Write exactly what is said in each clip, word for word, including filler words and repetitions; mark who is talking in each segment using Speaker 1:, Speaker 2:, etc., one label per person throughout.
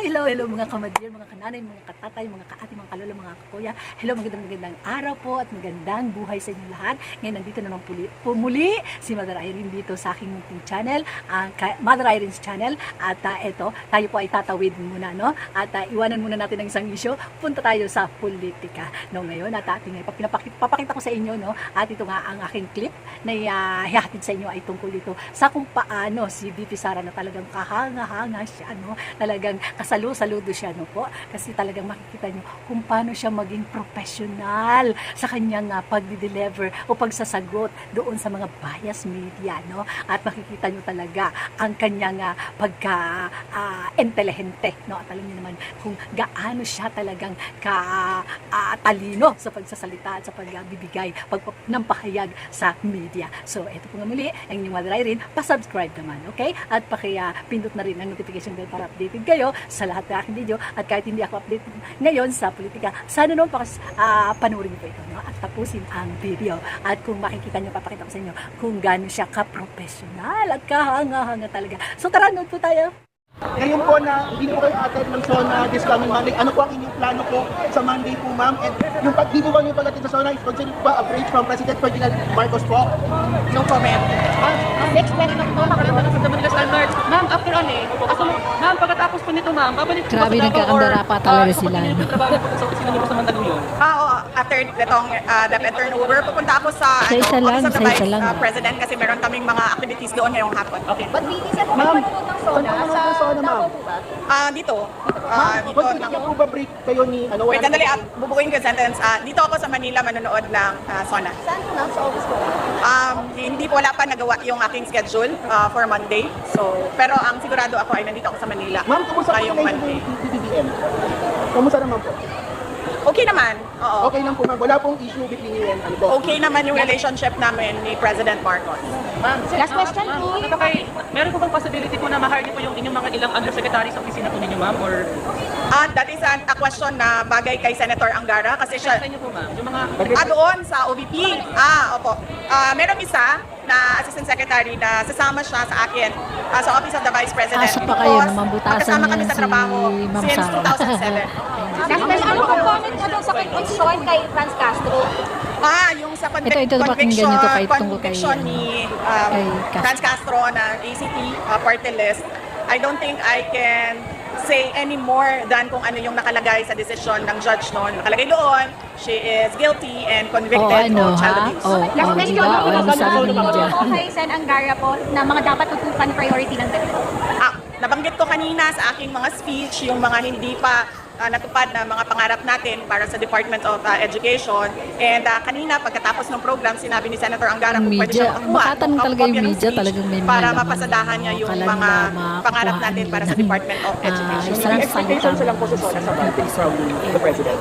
Speaker 1: hello, hello mga kamadir, mga kananay, mga katatay, mga kaati, mga kalolo, mga kakuya. Hello, magandang magandang araw po at magandang buhay sa inyo lahat. Ngayon nandito naman puli, pumuli si Mother Irene dito sa aking munting channel, ang uh, Mother Irene's channel. At uh, eto, tayo po ay tatawid muna, no? At uh, iwanan muna natin ang isang issue. Punta tayo sa politika. No, ngayon at ating uh, papakita, papakita ko sa inyo, no? At ito nga ang aking clip na uh, hihatid sa inyo ay tungkol dito sa kung paano si V P Sara na talagang kahanga-hanga siya, no? Talagang kasalu-saludo siya, no po? Kasi talagang makikita nyo kung paano siya maging professional sa kanyang uh, pagdi-deliver o pagsasagot doon sa mga bias media, no? At makikita nyo talaga ang kanyang uh, pagka-intelihente, uh, no? At alam nyo naman kung gaano siya talagang ka-talino uh, sa pagsasalita at sa pagbibigay, pag ng pahayag sa media. So, ito po nga muli, ang inyong Mother Irene, pa-subscribe naman, okay? At paki-pindot na rin ang notification bell para updated kayo sa lahat ng aking video. At kahit hindi ako update ngayon sa politika, sana naman pakas, uh, panurin niyo po ito, no? At tapusin ang video. At kung makikita niyo, papakita ko sa inyo kung gaano siya ka-professional at kahanga-hanga talaga. So tara, nood po tayo.
Speaker 2: Ngayon po na hindi po kayo attend ng SONA this coming Monday, ano po ang inyong plano po sa Monday po, ma'am? And yung pag di po ba yung pag-attend sa SONA is considered ba a breach from President Ferdinand Marcos po?
Speaker 3: No comment. Ah, next question po, makalala sa Manila Standard. Ma'am, after ano eh, ako, ma'am, pagkatapos po nito, ma'am, babalik po
Speaker 4: Grabe,
Speaker 3: ba
Speaker 4: nagkakandara pa talaga
Speaker 3: uh,
Speaker 4: sila.
Speaker 3: Sa trabaho po sa opisina niyo po sa Mandaluyong?
Speaker 5: Ah, oo. After itong uh, DepEd turnover, pupunta ako sa
Speaker 4: Sa isa
Speaker 5: ano,
Speaker 4: lang,
Speaker 5: Office of the
Speaker 4: sa
Speaker 5: Vice
Speaker 4: isa lang.
Speaker 5: uh, President kasi meron kaming mga activities doon ngayong hapon.
Speaker 3: Okay.
Speaker 6: But V P, saan po kayo manonood ng SONA?
Speaker 2: Saan po
Speaker 6: Sa
Speaker 2: manonood ng SONA, ma'am?
Speaker 6: Davao po ba?
Speaker 5: Ah, dito. Ah,
Speaker 2: Ma'am,
Speaker 5: dito.
Speaker 2: consider niyo po ba break kayo ni ano?
Speaker 5: Wait,
Speaker 2: wala
Speaker 5: sandali.
Speaker 2: na
Speaker 5: Ah, bubukuin ko yung sentence. Ah, dito ako sa Manila manonood ng uh, SONA.
Speaker 6: Saan po ma'am? Sa office po ba?
Speaker 5: Um, hindi po wala pa nagawa yung aking schedule uh, for Monday. So, pero ang sigurado ako ay nandito ako sa Manila.
Speaker 2: Ma'am, kumusta po
Speaker 5: ngayong
Speaker 2: kayo
Speaker 5: Monday.
Speaker 2: ng P B B M? Kumusta naman po?
Speaker 5: Okay naman. Oo.
Speaker 2: Okay lang po, ma'am. Wala pong issue between you and ano po?
Speaker 5: Okay naman yung relationship namin ni President Marcos.
Speaker 3: Ma'am,
Speaker 6: Last question,
Speaker 3: ma'am,
Speaker 6: please.
Speaker 3: ano kay, meron po bang possibility po na ma-hire niyo po yung inyong mga ilang undersecretary sa opisina po ninyo, ma'am? Or
Speaker 5: Ah, that is an, a question na bagay kay Senator Angara kasi siya
Speaker 3: sa inyo po, ma'am? Yung mga
Speaker 5: Ah, doon sa O V P. Ah, opo. Ah, merong isa na Assistant Secretary na sasama siya sa akin ah, sa Office of the Vice President.
Speaker 4: Asa pa kayo,
Speaker 5: Because
Speaker 4: namambutasan
Speaker 5: magkasama kami
Speaker 4: niya
Speaker 5: sa
Speaker 4: si
Speaker 5: trabaho
Speaker 4: Ma'am
Speaker 5: since
Speaker 4: Sara.
Speaker 5: two thousand seven.
Speaker 6: Last question, ano pong comment nyo doon sa conviction kay Franz Castro?
Speaker 5: Ah, yung sa convic-
Speaker 4: Ito, ito, pakinggan
Speaker 5: conviction,
Speaker 4: niyo to kahit tungkol kay,
Speaker 5: conviction
Speaker 4: ano,
Speaker 5: ni um,
Speaker 4: kay Castro.
Speaker 5: Franz Castro na A C T uh, party list, I don't think I can say any more than kung ano yung nakalagay sa desisyon ng judge noon. Nakalagay doon, she is guilty and
Speaker 4: Oh,
Speaker 5: convicted
Speaker 4: ano,
Speaker 5: of child
Speaker 4: ha?
Speaker 5: abuse.
Speaker 4: Oh,
Speaker 6: Last
Speaker 4: oh,
Speaker 6: question,
Speaker 4: diba?
Speaker 6: ano
Speaker 4: Oh,
Speaker 6: po
Speaker 4: sabi ni Media.
Speaker 6: kay Sen Angara po na mga dapat tutukan priority ng ganito?
Speaker 5: Ah, nabanggit ko kanina sa aking mga speech yung mga hindi pa ah, natupad na mga pangarap natin para sa Department of ah, Education. And ah, kanina, pagkatapos ng program, sinabi ni Senator Angara
Speaker 4: Ang
Speaker 5: kung pwede
Speaker 4: media,
Speaker 5: siya makakuha
Speaker 4: makatanong
Speaker 5: ng
Speaker 4: talaga yung
Speaker 5: kopya ng
Speaker 4: media,
Speaker 5: speech
Speaker 4: talagang may mga
Speaker 5: para
Speaker 4: laman
Speaker 5: mapasadahan niya yung
Speaker 4: Akala
Speaker 5: mga
Speaker 4: nila makakuhaan
Speaker 5: pangarap natin para sa
Speaker 4: nila ng,
Speaker 5: Department of
Speaker 4: ah,
Speaker 5: Education.
Speaker 4: isang
Speaker 2: May expectations
Speaker 4: salita
Speaker 2: lang po sa SONA sa Monday from the President.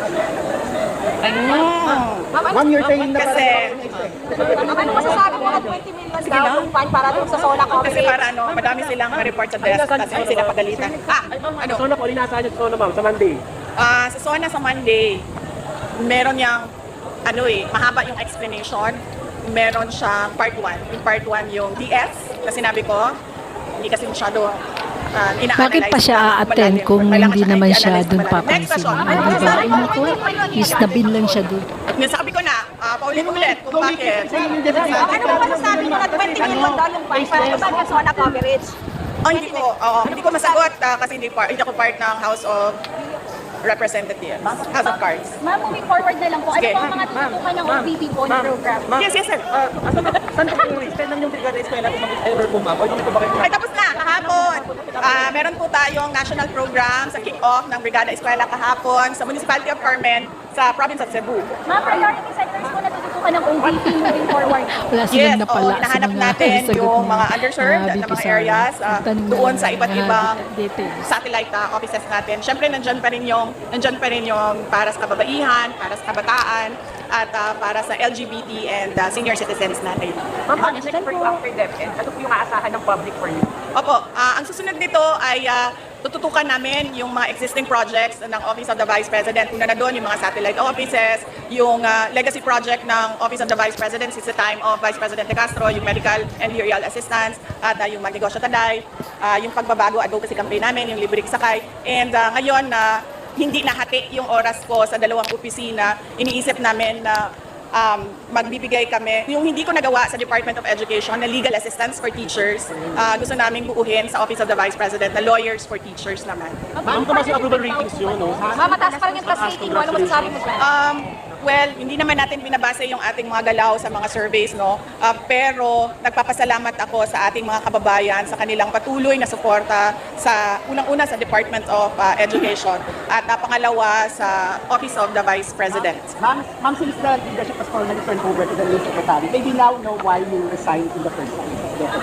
Speaker 5: Mm.
Speaker 2: Ma'am, you're saying na
Speaker 5: Kasi,
Speaker 6: Ano masasabi mo na twenty million daw yung fund para doon sa SONA
Speaker 5: kasi
Speaker 6: coverage?
Speaker 5: para ano, madami silang report sa desk kasi sila pagalitan. Ah, ano?
Speaker 2: SONA po, inaasahan yung SONA, ma'am, sa Monday.
Speaker 5: Ah, sa SONA sa Monday, meron yang ano eh, mahaba yung explanation. Meron siyang part one. Yung part one yung D S na sinabi ko, hindi kasi masyado uh, ina-analyze.
Speaker 4: Bakit pa siya
Speaker 5: na
Speaker 4: a-attend
Speaker 5: malalim.
Speaker 4: kung
Speaker 5: Kailangan
Speaker 4: hindi
Speaker 5: siya
Speaker 4: naman siya
Speaker 5: i-analyze na
Speaker 4: dun
Speaker 5: malalim. Next
Speaker 4: papansin?
Speaker 5: question.
Speaker 4: Ah, diba? Ay, naku, isnabin lang siya dun.
Speaker 5: Yung sabi ko na, uh, paulit-ulit kung bakit.
Speaker 6: Ano po masasabi mo na twenty million daw yung fund para doon sa SONA coverage?
Speaker 5: Oh, hindi ko, oo, hindi ko masagot ah, kasi hindi, par, hindi ako part ng House of Representatives, House of Cards.
Speaker 6: Ma'am, moving forward na lang po, ano
Speaker 5: Sige.
Speaker 6: po ang mga tutukan ng O V P po na program?
Speaker 5: Yes, yes, sir.
Speaker 3: Ah, asan ba- saan po yung extend ng yung brigada eskwela kung mag-ever po, ma'am? O yung ito ba kayo?
Speaker 5: Ay, tapos na, kahapon. Ah, meron po tayong national program sa kick-off ng Brigada Eskwela kahapon sa Municipality of Carmen sa province of Cebu.
Speaker 6: Mga priority sectors po na tutukan ng O V P moving forward.
Speaker 4: Wala
Speaker 5: Yes,
Speaker 4: silang
Speaker 5: oo,
Speaker 4: napala sa
Speaker 5: hinahanap
Speaker 4: mga
Speaker 5: natin
Speaker 4: sagot
Speaker 5: yung
Speaker 4: ni,
Speaker 5: mga underserved
Speaker 4: ah,
Speaker 5: na
Speaker 4: V P
Speaker 5: mga
Speaker 4: Sara.
Speaker 5: areas ah,
Speaker 4: Tanong na
Speaker 5: doon
Speaker 4: lang
Speaker 5: sa iba't
Speaker 4: mga
Speaker 5: ibang
Speaker 4: details.
Speaker 5: satellite ah, offices natin. Siyempre, nandyan pa rin yung, nandyan pa rin yung para sa kababaihan, para sa kabataan, at ah, para sa L G B T and ah, senior citizens natin.
Speaker 3: Ma'am, ano next for you after DepEd? Ano po yung aasahan ng public for you?
Speaker 5: Opo, ah, ang susunod nito ay ah, tututukan namin yung mga existing projects ng Office of the Vice President. Una na doon, yung mga satellite offices, yung uh, legacy project ng Office of the Vice President since the time of Vice President De Castro, yung medical and burial assistance, at uh, yung magnegosyo taday, uh, yung pagbabago advocacy campaign namin, yung libreng sakay. And uh, ngayon, na uh, hindi nahati yung oras ko sa dalawang opisina, iniisip namin na um, magbibigay kami. Yung hindi ko nagawa sa Department of Education na legal assistance for teachers, uh, gusto namin buuhin sa Office of the Vice President na lawyers for teachers naman.
Speaker 2: Ma'am, tumas yung approval ratings yun, no?
Speaker 6: Ma'am, mataas pa rin yung plus rating mo. Ano masasabi mo dyan?
Speaker 5: Um, well, hindi naman natin binabase yung ating mga galaw sa mga surveys, no? Uh, pero nagpapasalamat ako sa ating mga kababayan sa kanilang patuloy na suporta sa unang-una sa Department of uh, Education at uh, pangalawa sa Office of the Vice President.
Speaker 2: Ma'am, ma'am, since the leadership has formally turned over to the new secretary, maybe now know why you resigned in the first place.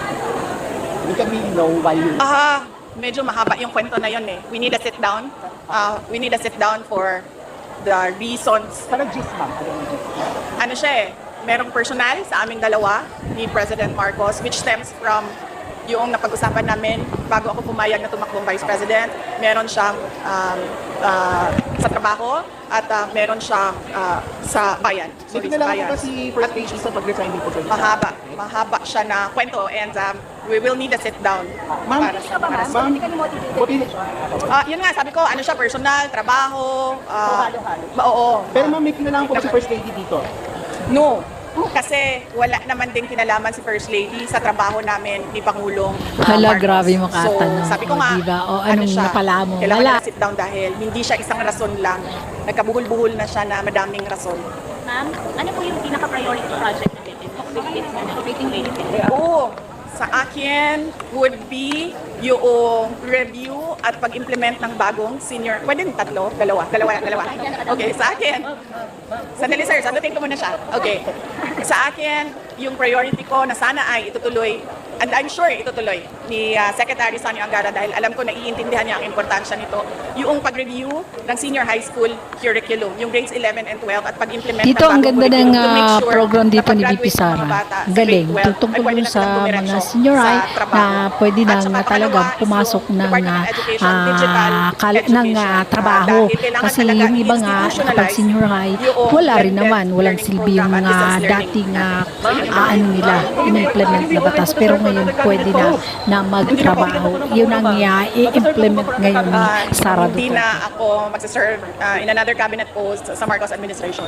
Speaker 2: We can really know why you...
Speaker 5: Ah, medyo mahaba yung kwento na yun eh. We need a sit down. Uh, we need a sit down for the reasons.
Speaker 2: Parang gist, ma'am. Ano yung gist?
Speaker 5: Ano siya eh, merong personal sa aming dalawa ni President Marcos which stems from yung napag-usapan namin bago ako pumayag na tumakbong Vice President. Meron siyang um, uh, sa trabaho at uh, meron siyang uh, sa bayan.
Speaker 2: Hindi
Speaker 5: Sorry,
Speaker 2: na
Speaker 5: sa
Speaker 2: lang
Speaker 5: bayan.
Speaker 2: po si First Lady sa pag-resign dito sa
Speaker 5: Mahaba. Mahaba siya na kwento and um, we will need a sit down.
Speaker 2: Ma'am,
Speaker 5: para sa para sa-
Speaker 2: ma'am,
Speaker 6: Hindi ka ni motivated.
Speaker 2: buti-
Speaker 5: Ah, yun nga, sabi ko, ano siya, personal, trabaho, ah, oo.
Speaker 2: pero ma'am, may kinalaman po ba si First Lady dito?
Speaker 5: No. Kasi wala naman din kinalaman si First Lady sa trabaho namin ni Pangulong uh,
Speaker 4: Hala,
Speaker 5: Marcos.
Speaker 4: grabe makatanong.
Speaker 5: So, sabi ko
Speaker 4: O,
Speaker 5: nga,
Speaker 4: diba? O,
Speaker 5: ano
Speaker 4: anong
Speaker 5: siya,
Speaker 4: napala mo?
Speaker 5: kailangan
Speaker 4: Wala.
Speaker 5: na sit down dahil hindi siya isang rason lang. Nagkabuhol-buhol na siya na madaming rason.
Speaker 6: Ma'am, ano po yung pinaka-priority project natin?
Speaker 5: Oo, sa akin would be yung review at pag-implement ng bagong senior. Pwede yung tatlo? Dalawa? Dalawa? Dalawa? Okay, sa akin. Sandali sir, sagutin ko muna siya. Okay. Sa akin, yung priority ko na sana ay itutuloy, and I'm sure itutuloy ni uh, Secretary Sonny Angara dahil alam ko na iintindihan niya ang importansya nito, yung pag-review ng senior high school curriculum, yung grades eleven and twelve at pag-implement
Speaker 4: Dito
Speaker 5: ng
Speaker 4: ang
Speaker 5: bagong
Speaker 4: ganda ng
Speaker 5: curriculum to make
Speaker 4: ah,
Speaker 5: sure
Speaker 4: program
Speaker 5: na
Speaker 4: dito ni
Speaker 5: pag-graduate
Speaker 4: V P
Speaker 5: ng mga
Speaker 4: Sara.
Speaker 5: bata sa
Speaker 4: Galing.
Speaker 5: grade twelve,
Speaker 4: Tungkol
Speaker 5: ay pwede
Speaker 4: dun
Speaker 5: na
Speaker 4: sa
Speaker 5: silang
Speaker 4: mga
Speaker 5: dumiretso
Speaker 4: senior
Speaker 5: sa
Speaker 4: high
Speaker 5: trabaho.
Speaker 4: na pwede
Speaker 5: At
Speaker 4: nang
Speaker 5: saka
Speaker 4: na talagang
Speaker 5: pangalawa is
Speaker 4: pumasok
Speaker 5: yung
Speaker 4: ng
Speaker 5: Department of
Speaker 4: ah,
Speaker 5: Education, digital
Speaker 4: ah, kal- ng ah,
Speaker 5: education.
Speaker 4: trabaho.
Speaker 5: Ah, dahil kailangan
Speaker 4: Kasi
Speaker 5: talaga
Speaker 4: yung iba nga kapag
Speaker 5: i-institutionalize
Speaker 4: senior high,
Speaker 5: yung
Speaker 4: wala rin
Speaker 5: blended
Speaker 4: naman. Walang
Speaker 5: learning
Speaker 4: silbi yung
Speaker 5: program at
Speaker 4: mga
Speaker 5: distance learning.
Speaker 4: dating ah, ah, ano nila, in-implement na batas. Pero ngayon pwede na na magtrabaho. Yun ang ah, i-implement ngayon ni
Speaker 5: Ah,
Speaker 4: Sara
Speaker 5: hindi
Speaker 4: Duterte.
Speaker 5: na ako magsaserve ah, in another cabinet post sa Marcos administration.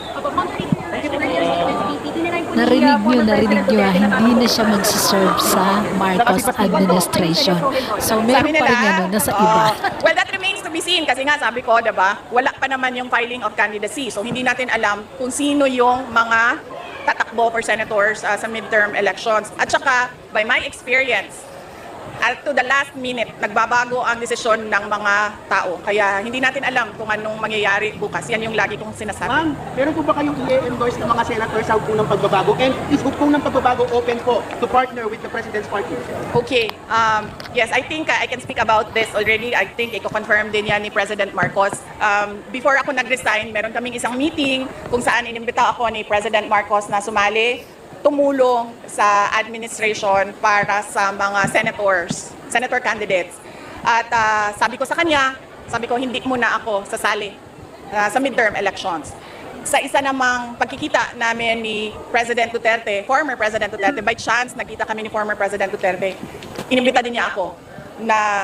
Speaker 4: Narinig nyo, narinig nyo, ah, hindi na siya magsiserve sa Marcos administration. So, meron
Speaker 5: Sabi
Speaker 4: pa rin ano, nasa iba.
Speaker 5: oh, well, that remains to be seen kasi nga sabi ko, diba, wala pa naman yung filing of candidacy. So, hindi natin alam kung sino yung mga tatakbo for senators uh, sa midterm elections. At saka, by my experience, at to the last minute, nagbabago ang desisyon ng mga tao. Kaya hindi natin alam kung anong mangyayari bukas. Yan yung lagi kong sinasabi.
Speaker 2: Ma'am, meron po ba kayong i-endorse ng mga senators sa unang pagbabago? And is kung ng pagbabago open po to partner with the President's Party?
Speaker 5: Okay. Um, yes, I think uh, I can speak about this already. I think i-confirm din yan ni President Marcos. Um, before ako nag-resign, meron kaming isang meeting kung saan inimbita ako ni President Marcos na sumali, tumulong sa administration para sa mga senators, senator candidates. At uh, sabi ko sa kanya, sabi ko hindi muna ako sasali uh, sa midterm elections. Sa isa namang pagkikita namin ni President Duterte, former President Duterte, by chance, nagkita kami ni former President Duterte, inimbita din niya ako na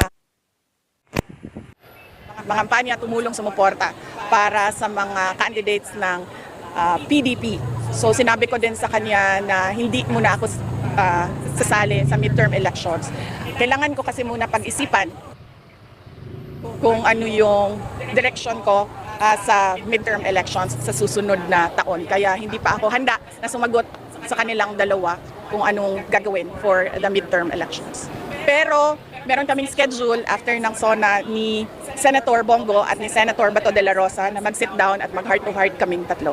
Speaker 5: mga kampanya tumulong sumuporta para sa mga candidates ng uh, P D P. So sinabi ko din sa kanya na hindi muna ako uh, sasali sa midterm elections. Kailangan ko kasi muna pag-isipan kung ano yung direction ko uh, sa midterm elections sa susunod na taon. Kaya hindi pa ako handa na sumagot sa kanilang dalawa kung anong gagawin for the midterm elections. Pero meron kaming schedule after ng SONA ni Senator Bongo at ni Senator Bato de la Rosa na mag-sit down at mag-heart-to-heart kaming tatlo.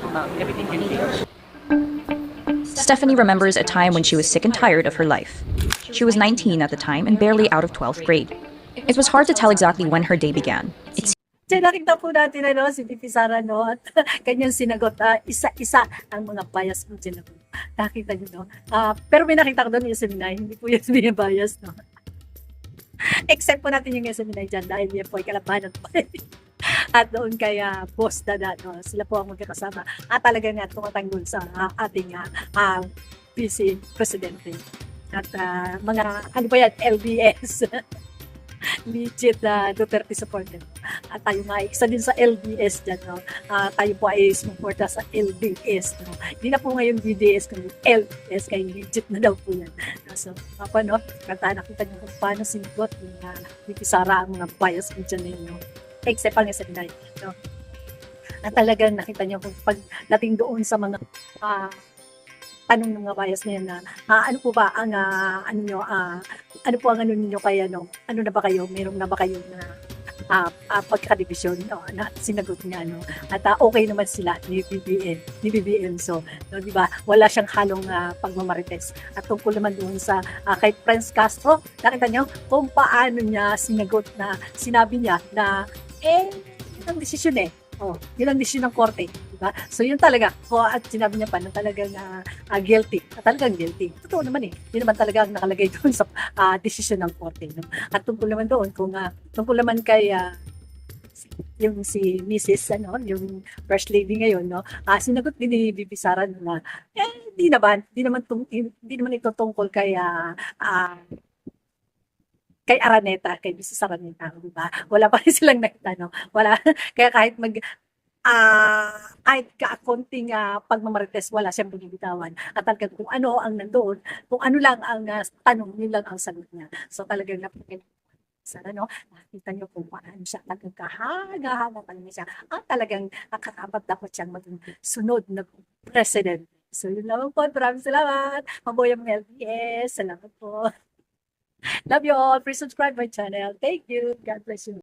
Speaker 7: Stephanie remembers a time when she was sick and tired of her life. She was nineteen at the time and barely out of twelfth grade. It was hard to tell exactly when her day began. It
Speaker 1: Diyan nakita po natin ano, si V P Sara, no? At kanyang sinagot, ah, isa-isa ang mga bias mo dyan. No? Nakita niyo, no? Ah, pero may nakita ko doon yung Yasmin, hindi po Yasmin yung bias, no? Except po natin yung S M N I dyan dahil yan po ay kalabanan po. At doon kay ah, Boss Dada, no? Sila po ang magkakasama. At talaga nga tumatanggol sa ah, ating ah, ah, P C Presidente. At ah, mga, ano ba yan, L B S. Legit na Duterte supporter. At tayo nga, isa din sa L B S dyan, no? Ah, tayo po ay sumuporta sa L B S, no? Hindi na po ngayon B D S, kundi L B S, kaya legit na daw po yan. So, apa, no? Kanta nakita niyo kung paano sinigot yung uh, Sara ang mga bias ko dyan ninyo. Except ang S M N I, no? At talagang nakita niyo kung pagdating doon sa mga ah, tanong ng mga bias na yan na ah, ano po ba ang ah, ano nyo, ah, ano po ang ano ninyo kaya no? Ano na ba kayo? Meron na ba kayo na ah, ah, pagkadibisyon no? Na sinagot niya no? At ah, okay naman sila ni B B M, ni B B M. So, no, di ba? Wala siyang halong ah, pagmamarites. At tungkol naman doon sa ah, kay Prince Castro, nakita niyo kung paano niya sinagot na sinabi niya na eh, yun ang desisyon eh. Oh, yun ang desisyon ng korte, di ba? So yun talaga. So, at sinabi niya pa na talagang uh, uh, guilty. At talagang guilty. Totoo naman eh. Yun naman talaga ang nakalagay doon sa uh, desisyon ng korte. No? At tungkol naman doon, kung uh, tungkol naman kay uh, yung si Missus ano, yung First Lady ngayon, no? Ah, sinagot din ni Bibi Sara na eh, di naman, di naman, tung, di naman ito tungkol kay uh, uh, kay Araneta, kay Missus Araneta, di ba? Wala pa rin silang nakita, no? Wala. Kaya kahit mag, ah, kahit kakonting uh, pagmamarites, wala siyang binibitawan. At talagang kung ano ang nandoon, kung ano lang ang uh, tanong, yun lang ang sagot niya. So talagang napakita sana, no? Nakita niyo kung paano siya talagang kahaga-haga pa niya siya. At talagang nakakabat dapat siyang maging sunod na president. So yun lang po. Maraming salamat. Mabuhay ang L B S. Salamat po. Love you all. Please subscribe my channel. Thank you. God bless you.